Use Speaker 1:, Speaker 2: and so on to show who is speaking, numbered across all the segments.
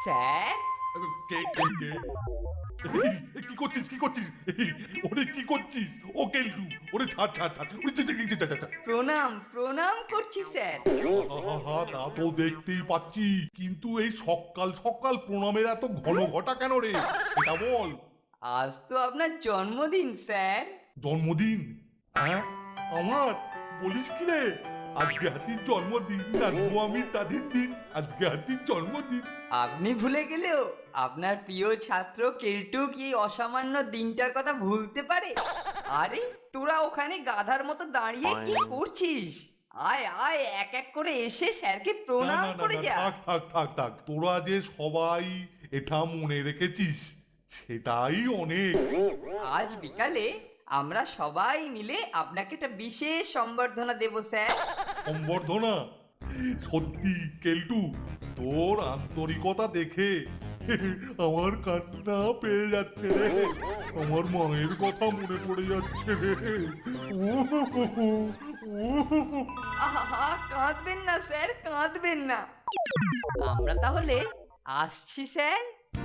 Speaker 1: Sir
Speaker 2: কে কে কে কি করছিস কি করছিস ওরে কি করছিস ও কেলটু ওরে ছাড় ছাড় ছাড় ওরে ছাড়।
Speaker 1: প্রণাম প্রণাম করছি স্যার।
Speaker 2: হা তা তো দেখতেই পাচ্ছি, কিন্তু এই সকাল সকাল প্রণামের এত ঘন ঘটা কেন রে, সেটা বল।
Speaker 1: আজ তো আপনার জন্মদিন স্যার।
Speaker 2: জন্মদিন? হ্যাঁ আমার? বলিস কি রে, আজকে হাতির জন্মদিন, নাচবো আমি তাদের দিন, আজকে হাতির জন্মদিন।
Speaker 1: আপনি ভুলে গেলেও আপনার প্রিয় ছাত্র কেলটু কি অসামান্য দিনটার কথা ভুলতে পারে? আরে তোরা ওখানে গাধার মতো দাঁড়িয়ে কি করছিস? আয় আয়, এক এক করে এসে স্যারকে
Speaker 2: না
Speaker 1: প্রণাম
Speaker 2: না না
Speaker 1: করে
Speaker 2: না,
Speaker 1: যা।
Speaker 2: থাক থাক থাক থাক, তোরা যে সবাই এটা মনে রেখেছিস সেটাই অনেক।
Speaker 1: আজ বিকালে আমরা সবাই মিলে আপনাকে একটা বিশেষ সম্বর্ধনা দেব স্যার।
Speaker 2: সম্বর্ধনা? সত্যি কেলটু, তোর আন্তরিকতা দেখে আমার কান্না পেয়ে যাচ্ছে রে, আমার মায়ের কথা মনে পড়ে যাচ্ছে রে।
Speaker 1: আহা, কাঁদবেন না স্যার, কাঁদবেন না। আমরা তাহলে আসছি স্যার।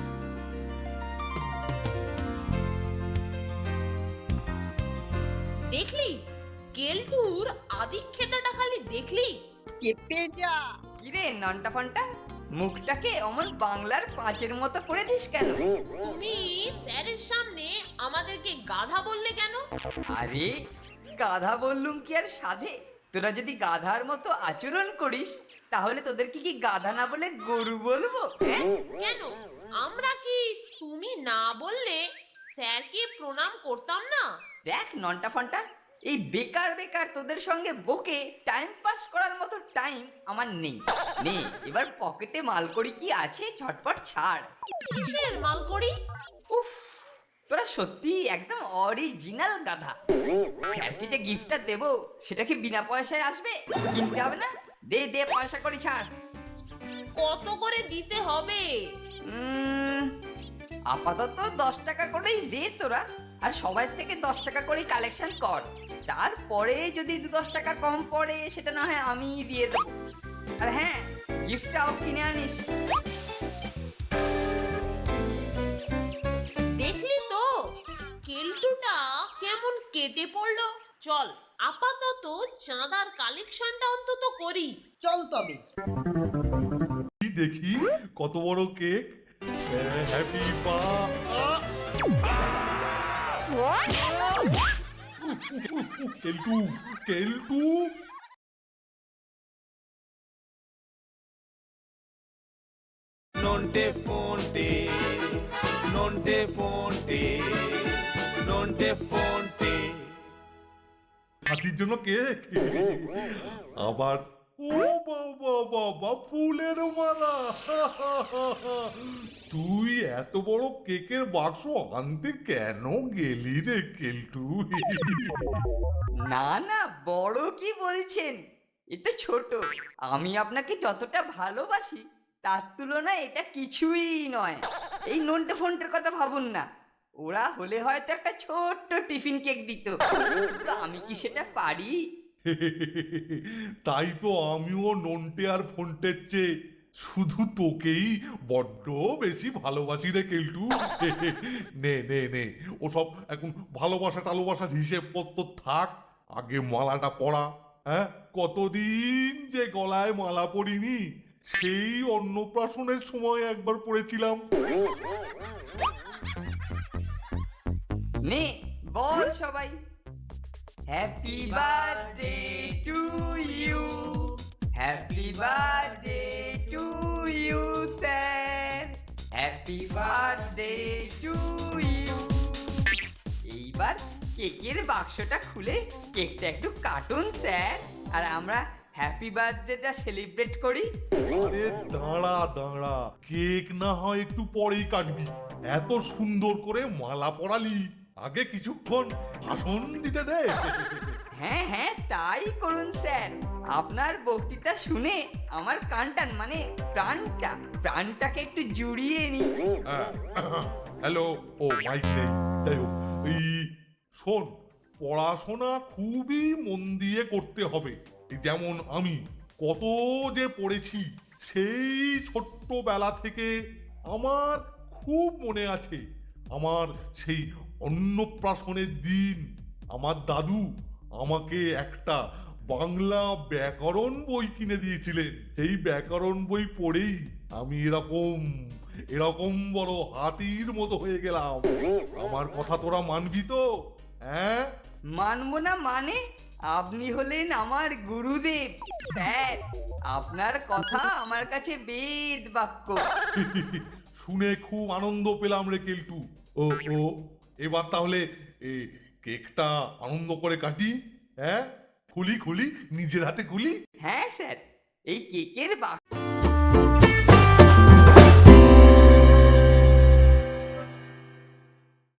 Speaker 3: দেখলি কেলটুর আদিক্ষেতাটা খালি দেখলি?
Speaker 4: চেপে যা।
Speaker 1: কিরে নন্টা ফন্টা, মুখটাকে অমন বাংলার পাঁচের মতো করেছিস কেন?
Speaker 3: তুমি স্যারের সামনে আমাদেরকে গাধা বললে কেন?
Speaker 1: আরে গাধা বললুম কি আর সাধে? তোরা যদি গাধার মতো আচরণ করিস তাহলে তোদেরকে কি গাধা না বলে গরু বলবো? হ্যাঁ?
Speaker 3: কেন আমরা কি তুমি না বললে স্যারকে প্রণাম করতাম না?
Speaker 1: দেখ নন্টা ফন্টা, এই বেকার বেকার তোদের সঙ্গে বকে টাইম পাস করার মতো টাইম আমার নেই। নে এবার পকেটে মালকড়ি কি আছে ঝটপট ছাড়।
Speaker 3: কিসের মাল করি?
Speaker 1: উফ, তোরা সত্যি একদম অরিজিনাল গাধা। স্যারকে যে গিফটটা দেবো সেটা কি বিনা পয়সায় আসবে? কিনতে হবে না? দে দে, পয়সা করি ছাড়।
Speaker 3: কত করে দিতে হবে?
Speaker 1: আপাতত 10 টাকা করেই দে তোরা, আর সবাই থেকে 10 টাকা করেই কালেকশন কর। তারপরে যদি 2-10 টাকা কম পড়ে সেটা না হয় আমি দিয়ে দেবো। আর হ্যাঁ, গিফটটাও কিনে আনিস।
Speaker 3: দেখলি তো কেলটুটা কেমন কেটে পড়লো। চল আপাতত চাঁদার কালেকশনটা অন্তত করি।
Speaker 4: চল তবে।
Speaker 2: কি দেখি কত বড় কেক, হ্যাপি পা। কেলটু কেলটু,
Speaker 5: Nonte fonte, nonte fonte, nonte fonte.
Speaker 2: হাতির জন্য কেক, আবার ও বাবা বাবা ফুলের মালা। তুই এত বড় কেকের বাক্স আনতে কেন গেলি রে কেলটু?
Speaker 1: না না, বড় কি বলছেন, এ তো ছোট। আমি আপনাকে যতটা ভালোবাসি তার তুলনায় এটা কিছুই নয়। এই নন্টে ফন্টের কথা ভাবুন না, ওরা হলে হয়তো একটা ছোট্ট টিফিন কেক দিত, কিন্তু আমি কি সেটা পারি?
Speaker 2: তাই তো আমিও নন্টে আর ফন্টের চেয়ে শুধু তোকেই বড্ড বেশি ভালোবাসি রে কেলটু। নে নে নে, ওসব এখন ভালোবাসা টালোবাসার হিসেবপত্র থাক, আগে মালাটা পরা। হ্যাঁ, কতদিন যে গলায় মালা পরিনি, সেই অন্নপ্রাশনের সময় একবার পড়েছিলাম।
Speaker 1: নে বল সবাই, happy birthday to you, happy birthday to you sir, happy birthday to you. এইবার কেকের বাক্সটা খুলে কেকটা একটু কাটুন স্যার, আর আমরা হ্যাপি বার্থডেটা সেলিব্রেট করি।
Speaker 2: আরে দাঁড়া দাঁড়া, কেক না হয় একটু পরেই কাটবি, এত সুন্দর করে মালা পরালি, আগে কিছুক্ষণ ভাষণ দিতে দে।
Speaker 1: হ্যাঁ হ্যাঁ, তাই করুন স্যার। আপনার বক্তৃতা শুনে আমার কানটান মানে প্রাণটাকে একটু জুড়িয়ে নি।
Speaker 2: হ্যালো, ও মাইক নেই, যাই হোক, এই শোন, পড়াশোনা খুবই মন দিয়ে করতে হবে। এই যেমন আমি কত যে পড়েছি সেই ছোট্টবেলা থেকে, আমার খুব মনে আছে আমার সেই অন্নপ্রাশনের দিন আমার দাদু আমাকে একটা বাংলা ব্যাকরণ বই কিনে দিয়েছিলেন। সেই ব্যাকরণ বই পড়েই আমি এরকম এরকম বড় হাতির মতো হয়ে গেলাম। আমার কথা তোরা মানবি তো? হ্যাঁ?
Speaker 1: মানবো না মানে? আপনি হলেন আমার গুরুদেব স্যার। আপনার কথা আমার কাছে বেদ বাক্য।
Speaker 2: শুনে খুব আনন্দ পেলাম রে কেলটু। ও ও এবার তাহলে কেকটা আনন্দ করে কাটি। হ্যাঁ, খুলি খুলি, নিজের হাতে খুলি।
Speaker 1: হ্যাঁ স্যার, এই কেকের বাক্স